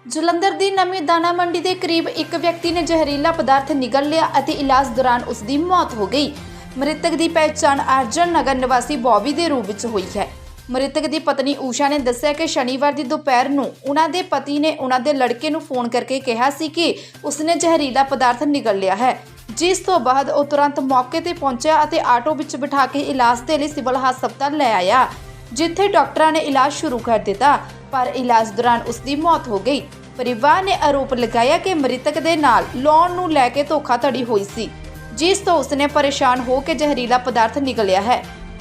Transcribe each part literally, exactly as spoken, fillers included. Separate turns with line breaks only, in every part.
ਜਲੰਧਰ ਦੀ ਨਵੀਂ ਦਾਣਾ ਮੰਡੀ ਦੇ ਕਰੀਬ ਇੱਕ ਵਿਅਕਤੀ ਨੇ ਜ਼ਹਿਰੀਲਾ ਪਦਾਰਥ ਨਿਗਲ ਲਿਆ ਅਤੇ ਇਲਾਜ ਦੌਰਾਨ ਉਸ ਦੀ ਮੌਤ ਹੋ ਗਈ। ਮ੍ਰਿਤਕ ਦੀ ਪਹਿਚਾਣ ਅਰਜਨ ਨਗਰ ਨਿਵਾਸੀ ਬੌਬੀ ਦੇ ਰੂਪ ਵਿੱਚ ਹੋਈ ਹੈ। ਮ੍ਰਿਤਕ ਦੀ ਪਤਨੀ ਊਸ਼ਾ ਨੇ ਦੱਸਿਆ ਕਿ ਸ਼ਨੀਵਾਰ ਦੀ ਦੁਪਹਿਰ ਨੂੰ ਉਹਨਾਂ ਦੇ ਪਤੀ ਨੇ ਉਹਨਾਂ ਦੇ ਲੜਕੇ ਨੂੰ ਫੋਨ ਕਰਕੇ ਕਿਹਾ ਸੀ ਕਿ ਉਸਨੇ ਜ਼ਹਿਰੀਲਾ ਪਦਾਰਥ ਨਿਗਲ ਲਿਆ ਹੈ, ਜਿਸ ਤੋਂ ਬਾਅਦ ਉਹ ਤੁਰੰਤ ਮੌਕੇ ਤੇ ਪਹੁੰਚਿਆ ਅਤੇ ਆਟੋ ਵਿੱਚ ਬਿਠਾ ਕੇ ਇਲਾਜ ਦੇ ਲਈ ਸਿਵਲ ਹਸਪਤਾਲ ਲੈ ਆਇਆ, ਜਿੱਥੇ ਡਾਕਟਰਾਂ ਨੇ ਇਲਾਜ ਸ਼ੁਰੂ ਕਰ ਦਿੱਤਾ, ਪਰ ਇਲਾਜ ਦੌਰਾਨ ਉਸ ਦੀ ਮੌਤ ਹੋ ਗਈ। ਪਰਿਵਾਰ ਨੇ ਆਰੋਪ ਲਗਾਇਆ ਕਿ ਮ੍ਰਿਤਕ ਦੇ ਨਾਲ ਲੋਨ ਨੂੰ ਲੈ ਕੇ ਧੋਖਾਧੜੀ ਹੋਈ ਸੀ, ਜਿਸ ਤੋਂ ਉਸਨੇ ਪਰੇਸ਼ਾਨ ਹੋ ਕੇ ਜ਼ਹਿਰੀਲਾ ਪਦਾਰਥ ਨਿਗਲਿਆ ਹੈ।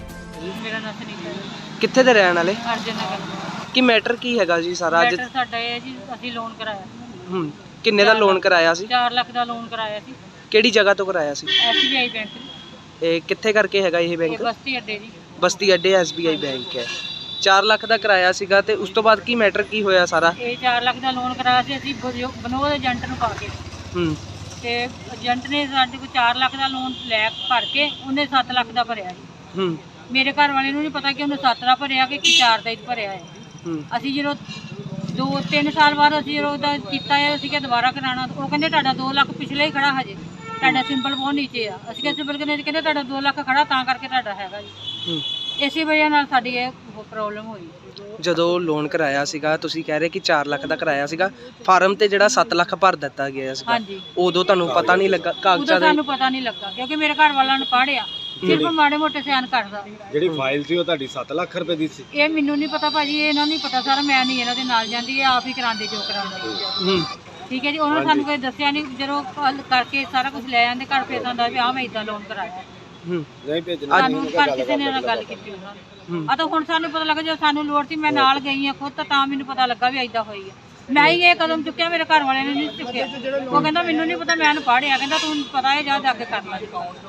ਮੇਰਾ ਨਾਮ ਸੁਨੀਤਾ ਹੈ।
ਕਿੱਥੇ ਦੇ ਰਹਿਣ ਵਾਲੇ?
ਅਰਜਨ ਨਗਰ।
ਕੀ ਮੈਟਰ ਕੀ ਹੈਗਾ ਜੀ ਸਾਰਾ ਅੱਜ?
ਮੈਟਰ ਸਾਡਾ ਇਹ ਹੈ ਜੀ, ਅਸੀਂ ਲੋਨ ਕਰਾਇਆ।
ਹੂੰ, ਕਿੰਨੇ ਦਾ ਲੋਨ ਕਰਾਇਆ ਸੀ?
ਚਾਰ ਲੱਖ ਦਾ ਲੋਨ ਕਰਾਇਆ ਸੀ।
ਕਿਹੜੀ ਜਗ੍ਹਾ ਤੋਂ ਕਰਾਇਆ ਸੀ?
S B I bank.
ਇਹ ਕਿੱਥੇ ਕਰਕੇ ਹੈਗਾ ਇਹ
ਇਹ
ਬੈਂਕ?
ਬਸਤੀ ਅੱਡੇ ਜੀ।
ਬਸਤੀ ਅੱਡੇ ਐਸ ਬੀ ਆਈ ਬੈਂਕ ਹੈ। ਚਾਰ ਲੱਖ ਦਾ ਕਰਾਇਆ ਸੀਗਾ ਤੇ ਉਸ ਤੋਂ ਬਾਅਦ ਕੀ ਮੈਟਰ ਕੀ ਹੋਇਆ ਸਾਰਾ?
ਇਹ ਚਾਰ ਲੱਖ ਦਾ ਲੋਨ ਕਰਾਇਆ ਸੀ ਅਸੀਂ ਬਨੋਦ ਏਜੰਟ ਨੂੰ ਪਾ ਕੇ।
ਹੂੰ,
ਤੇ ਏਜੰਟ ਨੇ ਸਾਡੇ ਕੋਲ ਚਾਰ ਲੱਖ ਦਾ ਲੋਨ ਲੈ ਭਰ ਕੇ ਉਹਨੇ ਸੱਤ ਲੱਖ ਦਾ ਭਰਿਆ ਜੀ।
ਹੂੰ,
ਮੇਰੇ ਘਰ ਵਾਲੇ ਨੂੰ ਨਹੀਂ ਪਤਾ ਕਿ ਉਹਨੇ ਸੱਤ ਦਾ ਭਰਿਆ ਕਿ ਚਾਰ ਦਾ ਹੀ ਭਰਿਆ ਹੈ।
ਹੂੰ,
ਅਸੀਂ ਜਦੋਂ ਦੋ ਤਿੰਨ ਸਾਲ ਬਾਅਦ ਅਸੀਂ ਜਦੋਂ ਉਹਦਾ ਕੀਤਾ ਹੈ, ਅਸੀਂ ਕਿ ਦੁਬਾਰਾ ਕਰਾਉਣਾ, ਉਹ ਕਹਿੰਦੇ ਤੁਹਾਡਾ ਦੋ ਲੱਖ ਪਿਛਲੇ ਹੀ ਖੜਾ ਹਜੇ, ਤੁਹਾਡਾ ਸਿੰਬਲ ਬਹੁਤ ਨੀਚੇ ਆ। ਅਸੀਂ ਕਿਹਾ ਸਿੰਬਲ ਕਿੰਨੇ? ਕਹਿੰਦੇ ਤੁਹਾਡਾ ਦੋ ਲੱਖ ਖੜਾ ਤਾਂ ਕਰਕੇ ਤੁਹਾਡਾ ਹੈਗਾ ਜੀ।
ਹੂੰ।
ਇਸੇ ਵਜ੍ਹਾ ਨਾਲ ਸਾਡੀ ਇਹ ਪ੍ਰੋਬਲਮ ਹੋਈ।
ਜਦੋਂ ਲੋਨ ਕਰਾਇਆ ਸੀਗਾ ਤੁਸੀਂ ਕਹਿ ਰਹੇ ਕਿ ਚਾਰ ਲੱਖ ਦਾ ਕਰਾਇਆ ਸੀਗਾ, ਫਾਰਮ ਤੇ ਜਿਹੜਾ ਸੱਤ ਲੱਖ ਭਰ ਦਿੱਤਾ ਗਿਆ ਸੀਗਾ,
ਹਾਂਜੀ,
ਉਦੋਂ ਤੁਹਾਨੂੰ ਪਤਾ ਨਹੀਂ ਲੱਗਾ ਕਾਗਜ਼ਾਂ
ਉਦੋਂ
ਦੇ?
ਸਾਨੂੰ ਪਤਾ ਨਹੀਂ ਲੱਗਾ ਕਿਉਂਕਿ ਮੇਰੇ ਘਰ ਵਾਲਿਆਂ ਨੇ ਪੜ੍ਹਿਆ, ਸਿਰਫ ਮਾੜੇ ਮੋਟੇ ਸਿਆਣ ਕਰਦਾ।
ਜਿਹੜੀ ਫਾਈਲ ਸੀ ਉਹ ਤੁਹਾਡੀ ਸੱਤ ਲੱਖ ਰੁਪਏ ਦੀ ਸੀ?
ਇਹ ਮੈਨੂੰ ਨਹੀਂ ਪਤਾ ਭਾਜੀ, ਇਹ ਇਹਨਾਂ ਨੂੰ ਨਹੀਂ ਪਤਾ ਸਰ, ਮੈਂ ਨਹੀਂ ਇਹਨਾਂ ਦੇ ਨਾਲ ਜਾਂਦੀ, ਇਹ ਆਪ ਹੀ ਕਰਾਉਂਦੇ ਜੋ ਕਰਾਉਂਦੇ।
ਹੂੰ,
ਠੀਕ ਹੈ ਜੀ, ਉਹਨਾਂ ਨੇ ਸਾਨੂੰ ਕੋਈ ਦੱਸਿਆ ਨਹੀਂ, ਜਦੋਂ ਕੱਲ ਕਰਕੇ ਸਾਰਾ ਕੁਝ ਲੈ ਜਾਂਦੇ ਘਰ, ਫੇਰ ਹੁੰਦਾ ਵੀ ਆਹ ਮੈਂ ਇਦਾਂ ਲੋਨ ਕਰਾਇਆ।
ਹੂੰ,
ਨਹੀਂ ਭੇਜਣਾ
ਸਾਨੂੰ ਘਰ ਕਿਸੇ ਨੇ ਨਾਲ ਗੱਲ ਕੀਤੀ ਉਹਨਾਂ ਨੇ। ਆ ਤਾਂ ਹੁਣ ਸਾਨੂੰ ਪਤਾ ਲੱਗਾ, ਜਦੋਂ ਸਾਨੂੰ ਲੋੜ ਸੀ ਮੈਂ ਨਾਲ ਗਈ ਆ ਖੁਦ, ਤਾਂ ਮੈਨੂੰ ਪਤਾ ਲੱਗਾ ਵੀ ਏਦਾਂ ਹੋਈ ਆ। ਮੈਂ ਹੀ ਇਹ ਕਦਮ ਚੁੱਕਿਆ, ਮੇਰੇ ਘਰ ਵਾਲਿਆਂ ਨੇ ਨਹੀਂ ਚੁੱਕਿਆ। ਉਹ ਕਹਿੰਦਾ ਮੈਨੂੰ ਨਹੀਂ ਪਤਾ, ਮੈਂ ਪੜ੍ਹਿਆ, ਕਹਿੰਦਾ ਤੂੰ ਪਤਾ ਹੈ ਜਾ ਜਾ ਕੇ ਕਰ ਲੈ।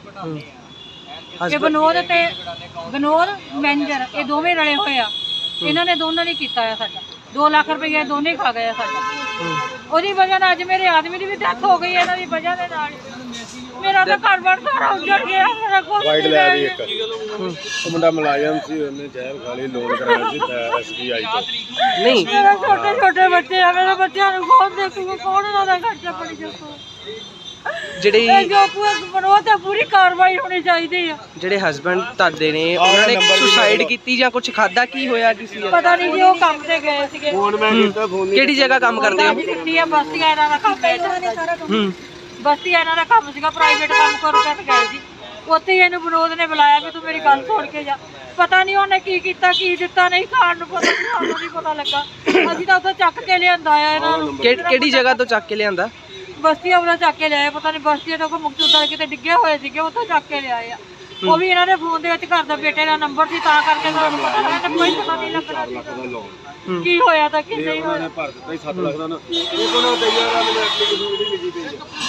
ਇਹ ਬਨੋਦ ਤੇ ਬਨੋਦ ਮੈਨੇਜਰ ਇਹ ਦੋਵੇਂ ਰਲੇ ਹੋਏ ਆ, ਇਹਨਾਂ ਨੇ ਦੋਨਾਂ ਨੇ ਕੀਤਾ ਆ ਸਾਡਾ ਦੋ ਲੱਖ ਰੁਪਏ ਦੋਨੇ ਖਾ ਗਏ ਸਾਡਾ। ਉਹਦੀ ਵਜ੍ਹਾ ਨਾਲ ਅੱਜ ਮੇਰੇ ਆਦਮੀ ਦੀ ਵੀ ਡੈਥ ਹੋ ਗਈ, ਇਹਨਾਂ ਦੀ ਵਜ੍ਹਾ ਦੇ ਨਾਲ। ਮੇਰਾ ਤਾਂ ਘਰ-ਬਾਰ ਸਾਰਾ ਉੱਜੜ ਗਿਆ, ਮੇਰਾ ਕੁਝ
ਵਾਈਟ
ਨਹੀਂ
ਲੈ
ਰਹਿ
ਵੀ
ਗਿਆ।
ਇੱਕ ਉਹ ਮੁੰਡਾ ਮੁਲਾਜ਼ਮ ਸੀ, ਉਹਨੇ ਜ਼ਹਿਰ ਖਾ ਲਈ, ਲੋਨ ਕਰਾਇਆ ਸੀ ਐਸ ਬੀ ਆਈ ਤੋਂ।
ਨਹੀਂ,
ਮੇਰੇ ਛੋਟੇ ਛੋਟੇ ਬੱਚੇ ਆ, ਮੇਰੇ ਬੱਚਿਆਂ ਨੂੰ ਕੌਣ ਦੇਖੂਗਾ, ਕੌਣ ਉਹਨਾਂ ਦਾ ਖਰਚਾ ਪਾਣੀ ਚੁੱਕੂਗਾ?
ਜਿਹੜੀ
ਇਹ ਜੋ ਪੂਰਾ ਤੇ ਪੂਰੀ ਕਾਰਵਾਈ ਹੋਣੀ ਚਾਹੀਦੀ ਆ।
ਜਿਹੜੇ ਹਸਬੰਡ ਤੁਹਾਡੇ ਨੇ ਉਹਨਾਂ ਨੇ ਸੁਸਾਈਡ ਕੀਤੀ ਜਾਂ ਕੁਝ ਖਾਦਾ, ਕੀ ਹੋਇਆ ਕਿਸੇ ਦਾ?
ਪਤਾ ਨਹੀਂ ਜੀ, ਉਹ ਕੰਮ ਤੇ ਗਏ ਸੀਗੇ।
ਫੋਨ ਮੈਂ ਕੀਤਾ, ਫੋਨ ਨਹੀਂ।
ਕਿਹੜੀ ਜਗ੍ਹਾ ਕੰਮ ਕਰਦੇ ਹੋ?
ਕਿੱਟੀ ਆ, ਬਸਤੀਆਂ ਇਹਨਾਂ ਦਾ ਕੰਮ ਹੈ।
ਹੂੰ,
ਬਸਤੀਆਂ ਇਹਨਾਂ ਦਾ ਕੰਮ ਸੀਗਾ, ਪ੍ਰਾਈਵੇਟ ਕੰਮ ਕਰ ਕੇ ਗਏ ਸੀ। ਉੱਥੇ ਹੀ ਇਹਨੂੰ ਵਿਨੋਦ ਨੇ ਬੁਲਾਇਆ ਵੀ ਤੂੰ ਮੇਰੀ ਗੱਲ ਸੁਣ ਕੇ ਜਾ। ਪਤਾ ਨਹੀਂ ਉਹਨੇ ਕੀ ਕੀਤਾ, ਕੀ ਦਿੱਤਾ, ਨਹੀਂ ਖਾਣ ਨੂੰ ਪਤਾ, ਸਾਨੂੰ ਨਹੀਂ ਪਤਾ ਲੱਗਾ। ਅਸੀਂ ਤਾਂ ਉੱਥੋਂ ਚੱਕ ਕੇ ਲਿਆਂਦਾ ਆ ਇਹਨਾਂ ਨੂੰ।
ਕਿਹੜੀ ਜਗ੍ਹਾ ਤੋਂ ਚੱਕ ਕੇ ਲਿਆਂਦਾ?
ਬਸਤੀਆਂ ਉਹਨਾਂ ਚੱਕ ਕੇ ਲਿਆਏ, ਪਤਾ ਨਹੀਂ ਬਸਤੀਆਂ ਤੋਂ ਕੋਈ ਮੁਕਤਸਰ ਕਿਤੇ ਡਿੱਗੇ ਹੋਏ ਸੀਗੇ, ਉੱਥੋਂ ਚੱਕ ਕੇ ਲਿਆਏ ਆ। ਉਹ ਵੀ ਇਹਨਾਂ ਦੇ ਫੋਨ ਦੇ ਵਿੱਚ ਘਰ ਦਾ ਬੇਟੇ ਦਾ ਨੰਬਰ ਸੀ, ਤਾਂ ਕਰਕੇ ਸਾਨੂੰ ਪਤਾ ਲੱਗਾ, ਕੋਈ ਪਤਾ ਨਹੀਂ ਲੱਗਣਾ ਸੀ ਕੀ ਹੋਇਆ ਤਾਂ ਕੀ ਨਹੀਂ ਹੋਇਆ।
ਭਰ ਦਿੱਤਾ ਹੀ ਸੱਤ ਲੱਖ ਦਾ ਨਾ, ਉਹ ਕੋਲੋਂ ਤੇ ਯਾਰ ਮੈਨੂੰ ਐਪਲੀਕੇਸ਼ਨ ਜਿਹੜੀ ਲਿਖੀ ਪਈ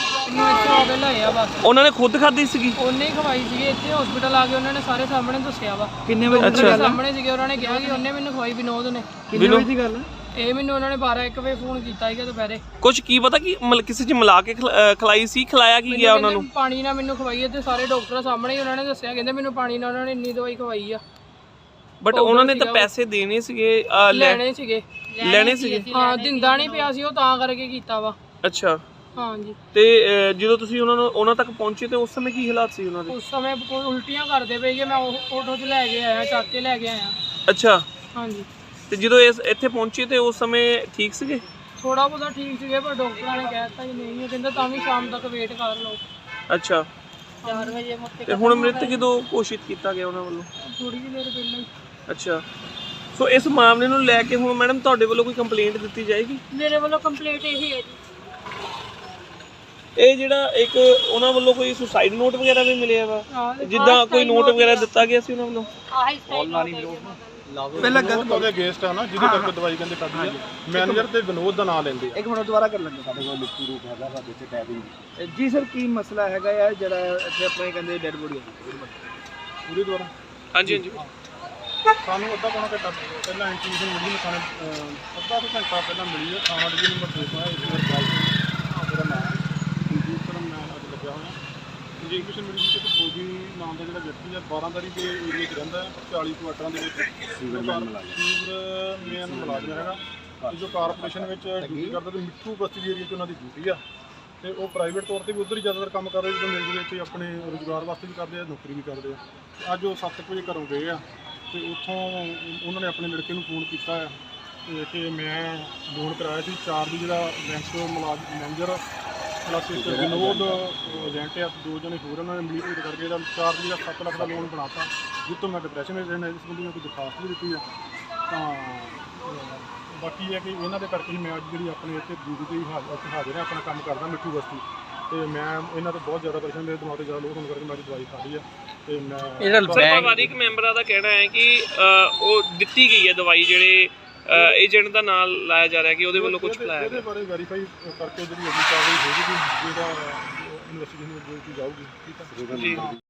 ਹੈ।
ਉਹਨਾਂ ਨੇ ਖੁਦ ਖਾਧੀ ਸੀਗੀ?
ਉਹਨੇ ਹੀ ਖਵਾਈ ਸੀਗੀ, ਇੱਥੇ ਹਸਪੀਟਲ ਆ ਕੇ ਉਹਨਾਂ ਨੇ ਸਾਰੇ ਸਾਹਮਣੇ ਦੱਸਿਆ ਵਾ।
ਕਿੰਨੇ ਵਜੇ ਦੀ ਗੱਲ?
ਸਾਹਮਣੇ ਸੀਗੇ, ਉਹਨਾਂ ਨੇ ਕਿਹਾ ਕਿ ਉਹਨੇ ਮੈਨੂੰ ਖਵਾਈ, ਵਿਨੋਦ ਨੇ।
ਕਿੰਨੇ ਵਜੇ ਦੀ ਗੱਲ?
ਇਹ ਮੈਨੂੰ ਉਹਨਾਂ ਨੇ ਬਾਰਾਂ ਇੱਕ ਵਜੇ ਫੋਨ ਕੀਤਾ ਸੀਗਾ ਦੁਪਹਿਰੇ।
ਕੁਝ ਕੀ ਪਤਾ ਕਿ ਮਤਲਬ ਕਿਸੇ ਚ ਮਿਲਾ ਕੇ ਖਿਲਾ- ਅਹ ਖਿਲਾਈ ਸੀ, ਖਿਲਾਇਆ ਕੀ ਗਿਆ ਉਹਨਾਂ ਨੂੰ?
ਪਾਣੀ ਨਾਲ ਮੈਨੂੰ ਖਵਾਈ ਹੈ, ਤੇ ਸਾਰੇ ਡਾਕਟਰਾਂ ਸਾਹਮਣੇ ਹੀ ਉਹਨਾਂ ਨੇ ਦੱਸਿਆ, ਕਹਿੰਦੇ ਮੈਨੂੰ ਪਾਣੀ ਨਾਲ ਉਹਨਾਂ ਨੇ ਇੰਨੀ ਦਵਾਈ ਖਵਾਈ ਆ।
ਬਟ ਉਹਨਾਂ ਨੇ ਤਾਂ ਪੈਸੇ ਦੇਣੇ ਸੀਗੇ, ਅਹ, ਲੈ-
ਲੈਣੇ ਸੀਗੇ।
ਲੈਣੇ ਸੀਗੇ?
ਹਾਂ, ਦਿੰਦਾ ਨਹੀਂ ਪਿਆ ਸੀ ਉਹ, ਤਾਂ ਕਰਕੇ ਕੀਤਾ ਵਾ।
ਅੱਛਾ,
ਹਾਂਜੀ।
ਤੇ ਅਹ, ਜਦੋਂ ਤੁਸੀਂ ਉਹਨਾਂ ਨੂੰ ਉਹਨਾਂ ਤੱਕ ਪਹੁੰਚੇ ਤੇ ਉਸ ਸਮੇਂ ਕੀ ਹਾਲਾਤ ਸੀ ਉਹਨਾਂ ਦੇ?
ਉਸ ਸਮੇਂ ਕੋਈ ਉਲਟੀਆਂ ਕਰਦੇ ਪਏ ਕਿ ਮੈਂ ਉਹ ਆਟੋ 'ਚ ਲੈ ਕੇ ਆਇਆ, ਚੱਕ ਕੇ ਲੈ ਕੇ ਆਇਆ।
ਅੱਛਾ,
ਹਾਂਜੀ।
ਤੇ ਜਦੋਂ ਇਸ ਇੱਥੇ ਪਹੁੰਚੇ ਤੇ ਉਸ ਸਮੇਂ ਠੀਕ ਸੀਗੇ?
ਥੋੜਾ ਬਹੁਤਾ ਠੀਕ ਸੀਗੇ, ਪਰ ਡਾਕਟਰਾਂ ਨੇ ਕਹਿ ਦਿੱਤਾ ਕਿ ਨਹੀਂ, ਉਹ ਕਹਿੰਦਾ ਤਾਂ ਵੀ ਸ਼ਾਮ ਤੱਕ ਵੇਟ ਕਰ ਲਓ।
ਅੱਛਾ,
ਚਾਰ ਵਜੇ ਮੁੱਤੇ
ਤੇ ਹੁਣ ਮ੍ਰਿਤਕ ਜਦੋਂ ਘੋਸ਼ਿਤ ਕੀਤਾ ਗਿਆ ਉਹਨਾਂ ਵੱਲੋਂ?
ਥੋੜੀ ਜਿਹੀ ਦੇਰ ਪਹਿਲਾਂ ਹੀ।
ਅੱਛਾ, ਸੋ ਇਸ ਮਾਮਲੇ ਨੂੰ ਲੈ ਕੇ ਹੁਣ ਮੈਡਮ ਤੁਹਾਡੇ ਵੱਲੋਂ ਕੋਈ ਕੰਪਲੇਂਟ ਦਿੱਤੀ ਜਾਏਗੀ?
ਮੇਰੇ ਵੱਲੋਂ ਕੰਪਲੀਟ ਇਹੀ ਹੈ ਜੀ।
ਇਹ ਜਿਹੜਾ ਇੱਕ ਉਹਨਾਂ ਵੱਲੋਂ ਕੋਈ ਸੁਸਾਈਡ ਨੋਟ ਵਗੈਰਾ ਵੀ ਮਿਲਿਆ ਵਾ, ਜਿੱਦਾਂ ਕੋਈ ਨੋਟ ਵਗੈਰਾ ਦਿੱਤਾ ਗਿਆ ਸੀ ਉਹਨਾਂ ਵੱਲੋਂ?
ਆਹੀ ਸਟਾਈਲ
ਪਹਿਲਾਂ ਗੱਲ ਉਹਦੇ ਅਗੇਂਸਟ ਆ ਨਾ, ਜਿਹਦੀ ਕਰਕੇ ਦਵਾਈ ਕਹਿੰਦੇ ਕੱਢੀ ਆ। ਮੈਨੇਜਰ ਤੇ ਵਿਨੋਦ ਦਾ ਨਾਮ ਲੈਂਦੇ ਆ।
ਇੱਕ ਮਿੰਟ ਦੁਬਾਰਾ ਕਰ ਲੈਂਦੇ, ਸਾਡੇ ਕੋਲ ਲਿਖਤੀ ਰੂਪ ਹੈਗਾ ਸਾਡੇ ਇੱਥੇ ਟੈਬਿੰਗ। ਜੀ ਸਰ, ਕੀ ਮਸਲਾ ਹੈਗਾ ਯਾਰ ਜਿਹੜਾ ਇੱਥੇ ਆਪਣੇ ਕਹਿੰਦੇ ਡੈਡ ਬੋਡੀ
ਪੂਰੀ ਦੁਆਰਾ
ਹਾਂਜੀ ਹਾਂਜੀ
ਸਾਨੂੰ ਅੱਧਾ ਪੌਣਾ ਘੰਟਾ ਪਹਿਲਾਂ ਇੰਟੀਮੇਸ਼ਨ ਮਿਲੀ ਹੈ, ਸਾਨੂੰ ਅੱਧਾ ਕੁ ਘੰਟਾ ਪਹਿਲਾਂ ਮਿਲੀ ਹੈ। ਥਾਣਾ ਡਿਵੀਜ਼ਨ ਨੰਬਰ ਛੇ ਤੋਂ ਹੈ, ਇਸ ਮੇਰਾ ਕਾਲ ਮੇਰਾ ਨਾਮ ਸੰਜੀਤ ਸਰ, ਮੈਂ ਅੱਜ ਲੱਗਿਆ ਹੋਇਆ। ਇੰਟੀਮੇਸ਼ਨ ਮਿਲੀ ਸੀ ਕਿ ਬੋਬੀ ਨਾਮ ਦਾ ਜਿਹੜਾ ਵਿਅਕਤੀ ਹੈ ਬਾਰਾਂ ਤਾਰੀ ਦੇ ਏਰੀਏ 'ਚ ਰਹਿੰਦਾ ਹੈ, ਚਾਲੀ ਕੁਆਟਰਾਂ ਦੇ ਵਿੱਚ ਸੀਵਰ ਮੈਨ ਮੁਲਾਜ਼ਮ ਹੈਗਾ। ਤੇ ਜੋ ਕਾਰਪੋਰੇਸ਼ਨ ਵਿੱਚ ਡਿਊਟੀ ਕਰਦੇ ਤੇ ਮਿੱਠੂ ਬਸਤੀ ਦੀ ਏਰੀਆ 'ਚ ਉਹਨਾਂ ਦੀ ਡਿਊਟੀ ਆ ਤੇ ਉਹ ਪ੍ਰਾਈਵੇਟ ਤੌਰ ਤੇ ਵੀ ਉੱਧਰ ਹੀ ਜ਼ਿਆਦਾਤਰ ਕੰਮ ਕਰ ਰਹੇ ਜਦੋਂ ਮਿਲ ਦੇ ਵਿੱਚ ਆਪਣੇ ਰੁਜ਼ਗਾਰ ਵਾਸਤੇ ਵੀ ਕਰਦੇ ਆ ਨੌਕਰੀ ਵੀ ਕਰਦੇ ਆ ਤੇ ਅੱਜ ਉਹ ਸੱਤ ਵਜੇ ਘਰੋਂ ਗਏ ਆ ਤੇ ਉੱਥੋਂ ਉਹਨਾਂ ਨੇ ਆਪਣੇ ਲੜਕੇ ਨੂੰ ਫੋਨ ਕੀਤਾ ਆ ਤੇ ਕਿ ਮੈਂ ਲੋਨ ਕਰਾਇਆ ਸੀ ਚਾਰ ਦੀ ਜਿਹੜਾ ਬੈਂਕ ਮੁਲਾਜ਼ਮ ਮੈਨੇਜਰ ਪਲੱਸ ਇੱਕ ਵਿਨੋਦ ਏਜੰਟ ਆ ਦੋ ਜਣੇ ਹੋਰ ਉਹਨਾਂ ਨੇ ਮਿਲੀ ਭੇਟ ਕਰਕੇ ਇਹਦਾ ਚਾਰ ਦੀ ਦਾ ਸੱਤ ਲੱਖ ਦਾ ਲੋਨ ਬਣਾਤਾ ਜਿਸ ਤੋਂ ਮੈਂ ਡਿਪਰੈਸ਼ਨ ਵਿੱਚ ਰਹਿਣਾ ਇਸ ਸੰਬੰਧੀ ਮੈਂ ਕੋਈ ਦਰਖਾਸਤ ਵੀ ਦਿੱਤੀ ਆ ਤਾਂ ਬਾਕੀ ਇਹ ਕਿ ਇਹਨਾਂ ਦੇ ਕਰਕੇ ਹੀ ਮੈਂ ਅੱਜ ਜਿਹੜੀ ਆਪਣੇ ਇੱਥੇ ਡਿਊਟੀ ਤੇ ਹੀ ਹਾਜ਼ਰ ਹਾਜ਼ਰ ਹਾਂ ਆਪਣਾ ਕੰਮ ਕਰਦਾ ਮਿੱਠੂ ਬਸਤੀ ਤੇ ਮੈਂ ਇਹਨਾਂ ਤੋਂ ਬਹੁਤ ਜ਼ਿਆਦਾ ਪਰੇਸ਼ਾਨ ਮੇਰੇ ਦਿਮਾਗ ਤੇ ਜ਼ਿਆਦਾ ਲੋਡ ਹੋਣ ਕਰਕੇ ਮੈਂ ਦਵਾਈ ਖਾ ਲਈ ਆ ਤੇ ਮੈਂ
ਸਰ ਪਰਿਵਾਰਿਕ ਮੈਂਬਰਾਂ ਦਾ ਕਹਿਣਾ ਹੈ ਕਿ ਅ, ਉਹ ਦਿੱਤੀ ਗਈ ਹੈ ਦਵਾਈ ਜਿਹੜੇ ਏਜੰਟ ਦਾ ਨਾਮ ਲਾਇਆ ਜਾ ਰਿਹਾ ਕਿ ਉਹਦੇ ਵੱਲੋਂ ਕੁਝ ਖਿਲਾਇਆ
ਇਹਦੇ ਬਾਰੇ ਵੈਰੀਫਾਈ ਕਰਕੇ ਜਿਹੜੀ ਅਗਲੀ ਕਾਰਵਾਈ ਹੋਵੇਗੀ ਜਿਹਦਾ ਇਨਵੈਸਟੀਗੇਸ਼ਨ ਜਾਊਗੀ ਠੀਕ ਹੈ
ਜੀ